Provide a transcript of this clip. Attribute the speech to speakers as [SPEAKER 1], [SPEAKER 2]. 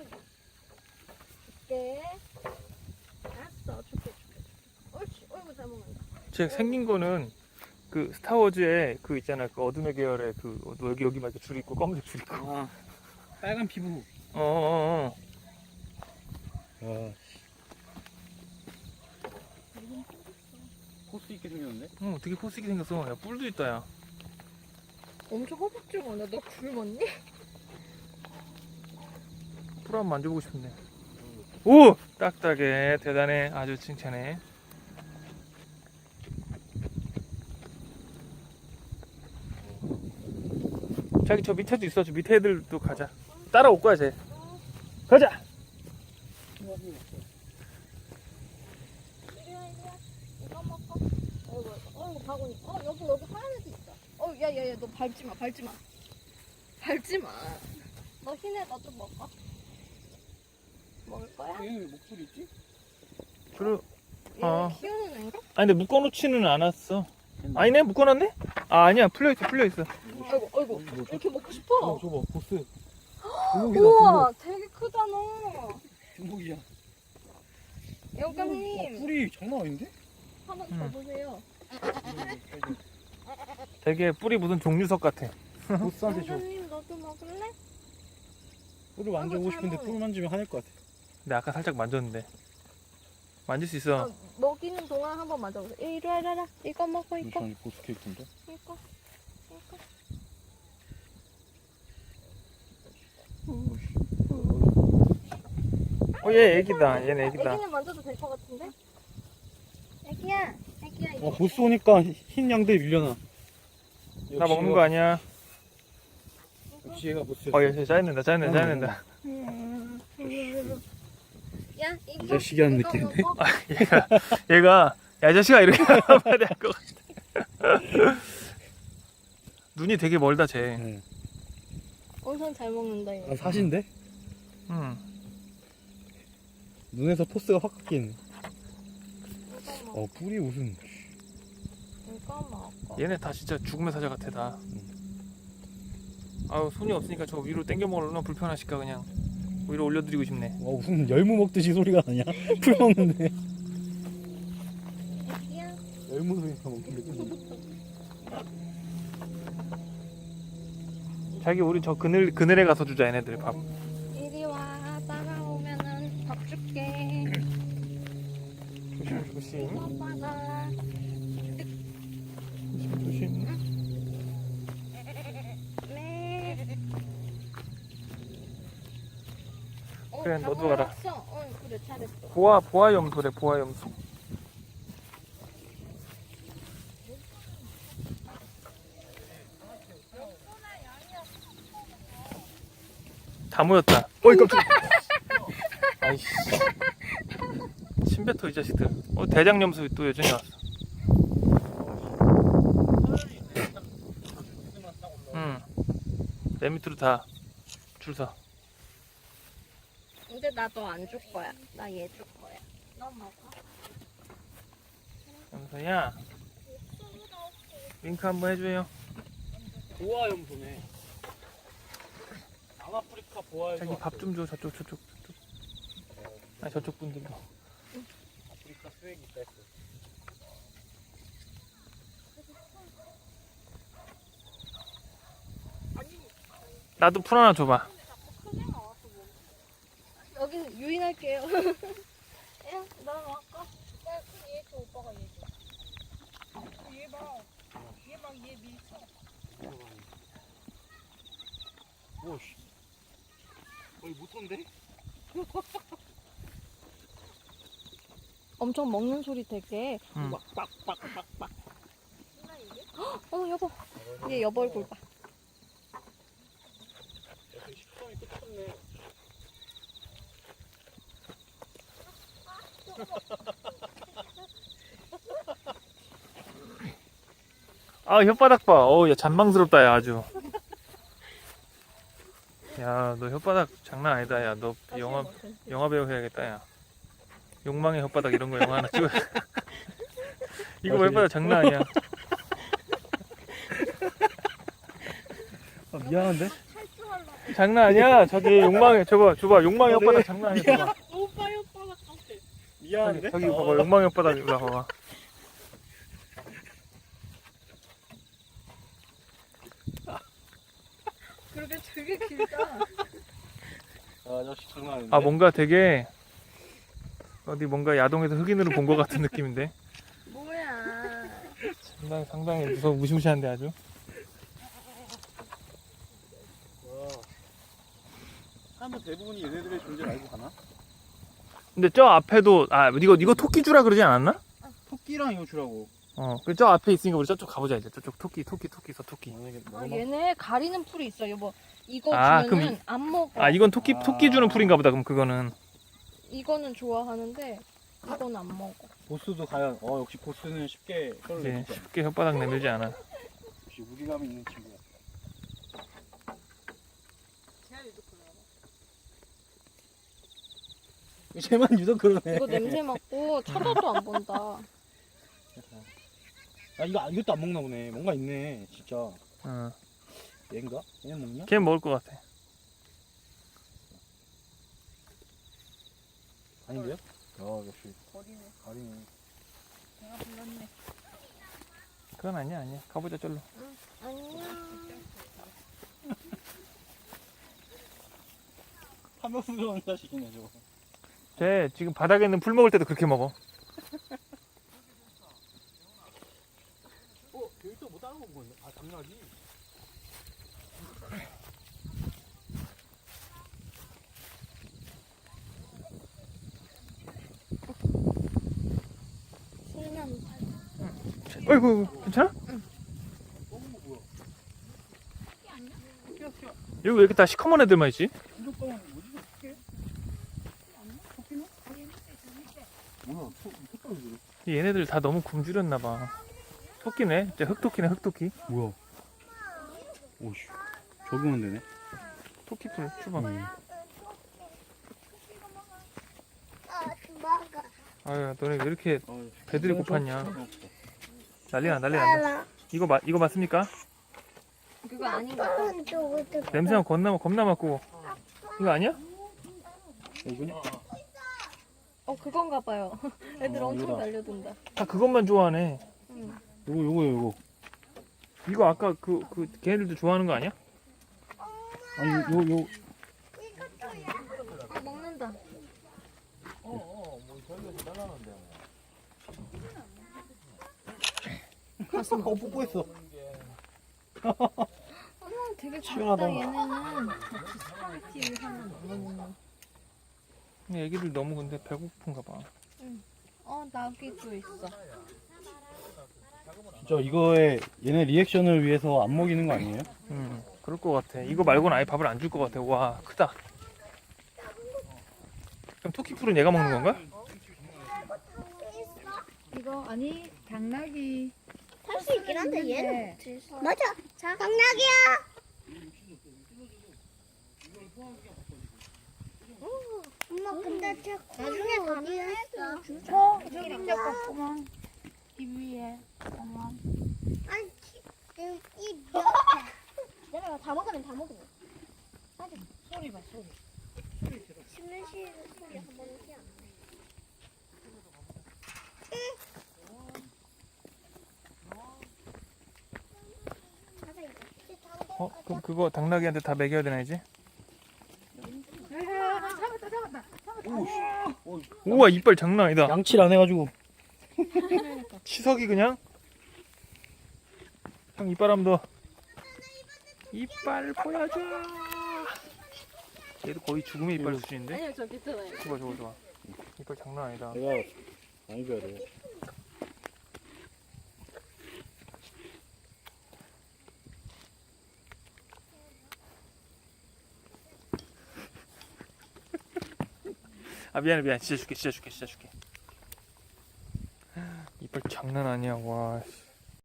[SPEAKER 1] 줄게. 알았어, 줄게. 옳지, 어이구 잘 먹는다.
[SPEAKER 2] 쟤 생긴 거는 그 스타워즈에 그 있잖아, 그 어둠의 계열의 그 여기 막 이렇게 줄 있고 검은색 줄 있고.
[SPEAKER 3] 아, 빨간 피부.
[SPEAKER 2] 어어어.
[SPEAKER 3] 아, 코스 있게 생겼는데?
[SPEAKER 2] 되게 포스있게 생겼어. 야, 뿔도 있다, 야.
[SPEAKER 1] 엄청 허벅지가 너 굶었니?
[SPEAKER 2] 뿔 한번 만져보고 싶은데. 오! 딱딱해. 대단해. 아주 칭찬해. 자기 저 밑에도 있어. 저 밑에 애들도 가자. 따라올 거야, 쟤. 가자!
[SPEAKER 1] 이리와. 이거 먹어. 어이구 바구니. 여기 하얀 애도 있다. 야야야, 너 밟지 마. 너 흰 애 너 좀 먹어. 먹을 거야?
[SPEAKER 3] 얘는 왜 목소리 있지?
[SPEAKER 2] 그래.
[SPEAKER 1] 얘 키우는 애인가?
[SPEAKER 2] 아니, 근데 묶어놓지는 않았어. 아니네? 묶어놨네? 아, 아니야. 풀려있어.
[SPEAKER 1] 아이고. 이렇게 먹고 싶어.
[SPEAKER 2] 저거, 보스.
[SPEAKER 1] 우와, 되게 크잖아.
[SPEAKER 3] 중복이야.
[SPEAKER 1] 영감님,
[SPEAKER 3] 뿔이 장난 아닌데?
[SPEAKER 1] 한번 줘보세요.
[SPEAKER 2] 되게 뿔이 무슨 종류석 같아.
[SPEAKER 3] 보스한테 줘.
[SPEAKER 1] 영감님, 너도 먹을래?
[SPEAKER 3] 뿔을 만져보고
[SPEAKER 1] 아이고,
[SPEAKER 3] 싶은데
[SPEAKER 1] 잘
[SPEAKER 3] 뿔 만지면 화낼 것 같아.
[SPEAKER 2] 근데 아까 살짝 만졌는데. 만질 수 있어.
[SPEAKER 1] 먹이는 동안 한번 맞아보세요. 이리 와라. 이거 먹어, 이거.
[SPEAKER 3] 잠시 보스 캐릭터인데?
[SPEAKER 1] 이거.
[SPEAKER 2] 얘 애기다. 얘는 애기다.
[SPEAKER 1] 애기는 만져도 될 것 같은데? 애기야, 이거.
[SPEAKER 3] 보스 오니까 흰 양들 밀려나.
[SPEAKER 2] 나 먹는 거 아니야.
[SPEAKER 3] 역시 얘가 보스야.
[SPEAKER 2] 얘 짜증낸다.
[SPEAKER 1] 야, 이거.
[SPEAKER 3] 이 자식이 하는
[SPEAKER 1] 이거
[SPEAKER 3] 느낌인데?
[SPEAKER 1] 먹어.
[SPEAKER 2] 얘가, 야, 이 자식아, 이렇게 말해야 될 것 같아. 눈이 되게 멀다, 쟤.
[SPEAKER 3] 네.
[SPEAKER 1] 엄청 잘 먹는다, 이거.
[SPEAKER 3] 아, 사신데?
[SPEAKER 2] 응.
[SPEAKER 3] 눈에서 포스가 확 깎이네.
[SPEAKER 1] 이거 먹어.
[SPEAKER 3] 뿔이 무슨.
[SPEAKER 1] 이거 먹어.
[SPEAKER 2] 얘네 다 진짜 죽음의 사자 같아, 다. 아유, 손이 없으니까 저 위로 당겨 먹으려면 불편하실까, 그냥. 위로 올려드리고 싶네.
[SPEAKER 3] 무슨 열무 먹듯이 소리가 나냐? 풀 먹는데.
[SPEAKER 1] 애기야.
[SPEAKER 3] 열무 소리가 먹는 느낌.
[SPEAKER 2] 자기, 우리 저 그늘에 가서 주자, 얘네들 밥.
[SPEAKER 1] 이리 와. 따라오면은 밥 줄게.
[SPEAKER 2] 조심.
[SPEAKER 1] 이거 받아.
[SPEAKER 2] 조심.
[SPEAKER 1] 네.
[SPEAKER 2] 그래,
[SPEAKER 1] 다
[SPEAKER 2] 너도 가라.
[SPEAKER 1] 먹었어. 그래, 잘했어.
[SPEAKER 2] 보아 염소래, 보아 염소. 다 모였다. 어이, 깜짝이야. 아이씨. 침뱉어, 이 자식들. 대장 염소 또 여전히 왔어. 응. 내 밑으로 다 줄 서.
[SPEAKER 1] 근데 나 너 안 줄 거야. 나 얘 줄 거야. 너 먹어.
[SPEAKER 2] 염소야. 윙크 한번 해줘요.
[SPEAKER 3] 보아 염소네. 남아프리카 보아 염소.
[SPEAKER 2] 자기 밥 좀 줘. 저쪽. 아니, 저쪽 분들도.
[SPEAKER 3] 아프리카 수액이 있다 했어.
[SPEAKER 2] 나도 풀 하나 줘봐.
[SPEAKER 1] 여기는 유인할게요. 야, 나 먹어. 야, 얘 줘, 오빠가 얘 줘. 얘 봐. 얘 밀쳐.
[SPEAKER 3] 오씨. 거의 못한데?
[SPEAKER 1] 엄청 먹는 소리 되게.
[SPEAKER 2] 응.
[SPEAKER 3] 빡빡빡빡.
[SPEAKER 1] 여보. 얘 여보 얼굴 봐.
[SPEAKER 3] 식감이 끝없네.
[SPEAKER 2] 아, 혓바닥 봐. 야, 잔망스럽다, 야, 아주. 야, 너 혓바닥 장난 아니다, 야. 너 영화 배우 해야겠다, 야. 욕망의 혓바닥 이런 거 영화 하나 찍어. 이거 혓바닥 장난 아니야.
[SPEAKER 3] 미안한데?
[SPEAKER 2] 장난 아니야. 저기 욕망의 줘봐 욕망의 혓바닥 장난 아니야. 줘봐.
[SPEAKER 1] 오빠의 혓바닥 같아.
[SPEAKER 3] 미안한데?
[SPEAKER 2] 저기 봐봐 욕망의 혓바닥 일로 봐봐.
[SPEAKER 1] 그러게 되게 길다.
[SPEAKER 3] 아 역시 장난 아닌데?
[SPEAKER 2] 아 뭔가 되게 어디 뭔가 야동에서 흑인으로 본 것 같은 느낌인데.
[SPEAKER 1] 뭐야.
[SPEAKER 2] 상당히 무시무시한데 아주.
[SPEAKER 3] 와. 사람들 대부분이 얘네들의 존재를 알고 가나?
[SPEAKER 2] 근데 저 앞에도 이거 토끼주라 그러지 않았나?
[SPEAKER 3] 토끼랑 이거 주라고.
[SPEAKER 2] 그 저 앞에 있으니까 우리 저쪽 가보자 이제. 저쪽 토끼.
[SPEAKER 3] 만약에
[SPEAKER 1] 아, 얘네 가리는 풀이 있어 여보. 이거
[SPEAKER 2] 아,
[SPEAKER 1] 주면은
[SPEAKER 2] 그럼
[SPEAKER 1] 안 먹어.
[SPEAKER 2] 아 이건 토끼 주는 풀인가 보다. 그럼 그거는.
[SPEAKER 1] 이거는 좋아하는데 이건 안 먹어.
[SPEAKER 3] 보스도 과연 역시 보스는 쉽게 썰을
[SPEAKER 2] 이제
[SPEAKER 3] 내주지 않아.
[SPEAKER 2] 쉽게 혓바닥 내밀지 않아.
[SPEAKER 3] 역시 무게감이 있는 친구야. 쟤만 유독 그러네.
[SPEAKER 1] 이거 냄새 맡고 쳐다도 안 본다.
[SPEAKER 3] 아 이것도 안 먹나 보네. 뭔가 있네 진짜.
[SPEAKER 2] 어.
[SPEAKER 3] 얘인가? 얘는 먹냐?
[SPEAKER 2] 걔 먹을 것 같아.
[SPEAKER 3] 아닌데요? 역시
[SPEAKER 1] 버리네.
[SPEAKER 3] 가리네.
[SPEAKER 1] 내가 불렀네.
[SPEAKER 2] 그건 아니야. 가보자 절로.
[SPEAKER 1] 안녕.
[SPEAKER 3] 탐욕스러운 자식이네 저거.
[SPEAKER 2] 쟤 지금 바닥에 있는 풀 먹을 때도 그렇게 먹어.
[SPEAKER 3] 여기 또 뭐 다른 거 먹었네. 아 당나귀.
[SPEAKER 2] 어이구 괜찮아?
[SPEAKER 3] 검은 거 뭐야? 토끼야.
[SPEAKER 2] 여기 왜 이렇게 다 시커먼 애들만 있지?
[SPEAKER 3] 완전 검은 거 뭐지? 토끼? 토끼는? 뭐야? 토끼.
[SPEAKER 2] 얘네들 다 너무 굶주렸나 봐. 토끼네. 진짜 흑토끼.
[SPEAKER 3] 뭐야? 오씨. 적응은 되네.
[SPEAKER 2] 토끼풀 주봐. 아유 너네 왜 이렇게 배들이 고팠냐. 난리나. 이거 맞습니까?
[SPEAKER 1] 그거 아닌 것 같아.
[SPEAKER 2] 냄새가 겁나 맡고. 이거 아니야?
[SPEAKER 3] 이거냐?
[SPEAKER 1] 그건가 봐요. 애들 엄청
[SPEAKER 3] 이거다.
[SPEAKER 1] 달려든다.
[SPEAKER 2] 다 그것만 좋아하네.
[SPEAKER 1] 응.
[SPEAKER 3] 요거.
[SPEAKER 2] 이거 아까 그 걔네들도 좋아하는 거 아니야?
[SPEAKER 3] 아니 요.
[SPEAKER 1] 먹는다.
[SPEAKER 3] 가슴 뽀뽀했어.
[SPEAKER 1] 되게
[SPEAKER 3] 시원하다.
[SPEAKER 1] 작다 얘네는. 스파게티 하나 먹는.
[SPEAKER 2] 애기들 너무 근데 배고픈가 봐.
[SPEAKER 1] 나귀도 있어.
[SPEAKER 3] 진짜 이거에 얘네 리액션을 위해서 안 먹이는 거 아니에요?
[SPEAKER 2] 그럴 것 같아. 이거 말고는 아예 밥을 안 줄 것 같아. 와 크다. 그럼 토끼풀은 얘가 먹는 건가?
[SPEAKER 4] 이거 아니 당나귀
[SPEAKER 5] 탈 수 있긴 한데 얘는
[SPEAKER 4] 네.
[SPEAKER 5] 맞아. 자, 당나귀야. 엄마 근데 쟤 나중에 가면
[SPEAKER 4] 저기 이제 꺾구만 이 위에 어머
[SPEAKER 5] 아니 이 몇. 내가 다 먹으면 다 먹으면.
[SPEAKER 4] 소리 봐 소리
[SPEAKER 5] 씹는 소리 한 번은 티 안 나.
[SPEAKER 2] 그럼 그거 당나귀한테 다 먹여야 되나 이제?
[SPEAKER 4] 잡았다
[SPEAKER 2] 우와 이빨 장난 아니다.
[SPEAKER 3] 양치를 안 해가지고.
[SPEAKER 2] 치석이 그냥. 형 이빨 한번 더. 이빨 보여줘. 얘도 거의 죽음의 이빨 수준인데?
[SPEAKER 1] 아니요 저 괜찮아요.
[SPEAKER 2] 좋아. 이빨 장난 아니다.
[SPEAKER 3] 내가 많이 줘야 돼.
[SPEAKER 2] 아 미안해 진짜 줄게 이빨 장난 아니야 와.